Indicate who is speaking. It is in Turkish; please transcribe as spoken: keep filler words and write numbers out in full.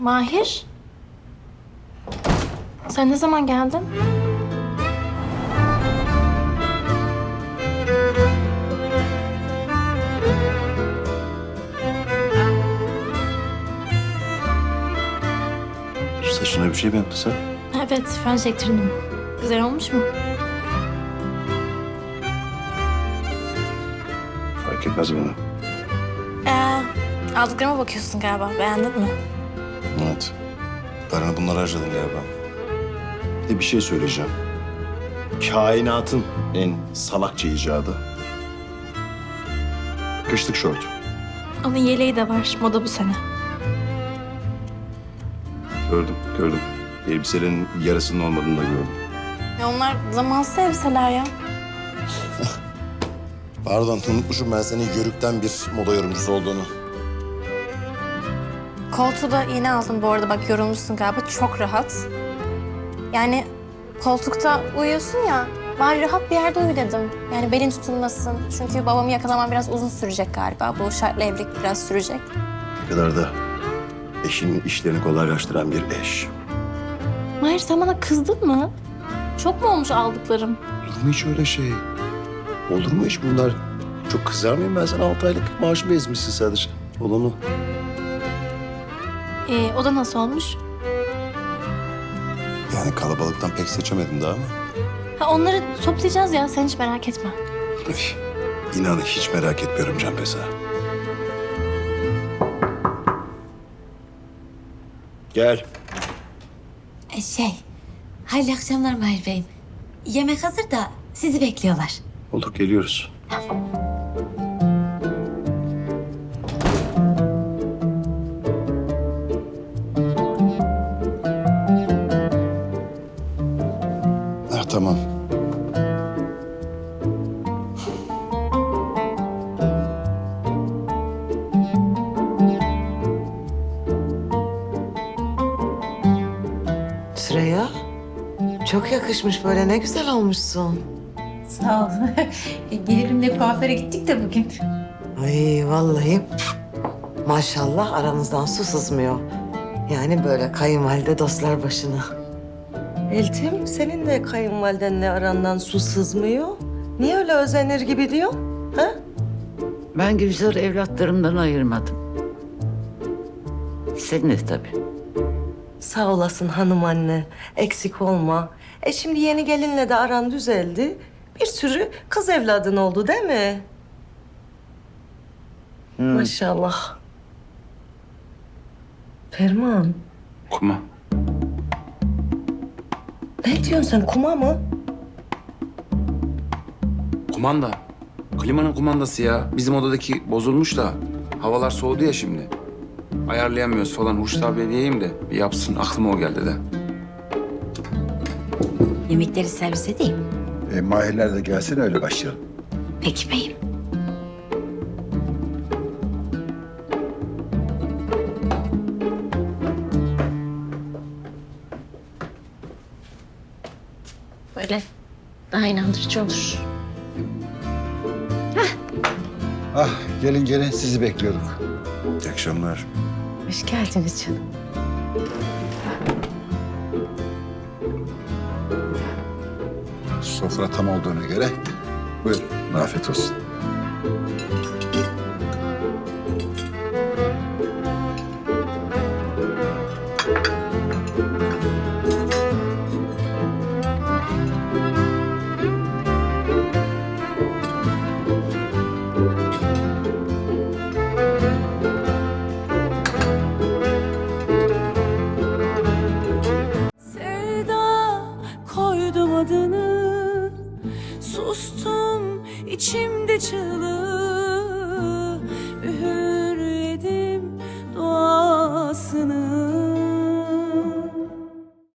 Speaker 1: Mahir? Sen ne zaman geldin?
Speaker 2: Saçına bir şey mi yaptın sen?
Speaker 1: Evet, fön çektirdim. Güzel olmuş mu?
Speaker 2: Fark etmez bana.
Speaker 1: Ee, aldıklarıma bakıyorsun galiba. Beğendin mi?
Speaker 2: Evet. Paranı bunlara harcadın galiba. Bir de bir şey söyleyeceğim. Kainatın en salakça icadı. Kışlık şort.
Speaker 1: Onun yeleği de var. Moda bu sene.
Speaker 2: Gördüm, gördüm. Elbiselerin yarısının olmadığını da gördüm.
Speaker 1: Ya onlar zamansız elbiseler ya.
Speaker 2: Pardon, unutmuşum ben senin yörükten bir moda yorumcusu olduğunu.
Speaker 1: Koltuğu da yeni aldım bu arada. Bak yorulmuşsun galiba. Çok rahat. Yani koltukta uyuyorsun ya. Bari rahat bir yerde uyu dedim. Yani belin tutulmasın. Çünkü babamı yakalamam biraz uzun sürecek galiba. Bu şartlı evlilik biraz sürecek.
Speaker 2: Ne kadar da eşinin işlerini kolaylaştıran bir eş.
Speaker 1: Mahir sen bana kızdın mı? Çok mu olmuş aldıklarım?
Speaker 2: Olur mu hiç öyle şey? Olur mu hiç bunlar? Çok kızar mıyım ben sana? Altı aylık maaşımı ezmişsin sadece. Olanı.
Speaker 1: Ee, o da nasıl olmuş?
Speaker 2: Yani kalabalıktan pek seçemedim daha ama.
Speaker 1: Ha onları toplayacağız ya. Sen hiç merak etme.
Speaker 2: Üf, İnan hiç merak etmiyorum Canpeza. Gel.
Speaker 3: E, Şey, hayırlı akşamlar Mahir Bey'im. Yemek hazır da sizi bekliyorlar.
Speaker 2: Olur, geliyoruz. Ah, tamam.
Speaker 4: Süreyya, çok yakışmış böyle, ne güzel olmuşsun.
Speaker 3: Sağ ol. Gelirimle kuaföre gittik de bugün.
Speaker 4: Ay vallahi maşallah aranızdan su sızmıyor. Yani böyle kayınvalide dostlar başına.
Speaker 5: Eltim, senin de kayınvalidenle arandan su sızmıyor. Niye öyle özenir gibi diyor? Ha?
Speaker 6: Ben Gülzar'ı evlatlarımdan ayırmadım. Sen de tabii.
Speaker 5: Sağ olasın hanım anne. Eksik olma. E şimdi yeni gelinle de aran düzeldi. Bir sürü kız evladın oldu değil mi? Maşallah. Ferman,
Speaker 7: Kuma.
Speaker 5: ne diyorsun sen? Kuma mı?
Speaker 7: Kumanda. Klimanın kumandası ya. Bizim odadaki bozulmuş da. Havalar soğudu ya şimdi. Ayarlayamıyoruz falan. Hurşit abiye diyeyim de bir yapsın. Aklıma o geldi de.
Speaker 3: Yemekleri servis edeyim.
Speaker 2: E, Mahirler de gelsin öyle başlayalım.
Speaker 3: Peki beyim.
Speaker 1: Böyle daha inandırıcı olur.
Speaker 8: Ah gelin gelin sizi bekliyorduk.
Speaker 2: İyi akşamlar.
Speaker 3: Hoş geldiniz canım.
Speaker 8: Sofra tam olduğuna göre buyurun afiyet olsun.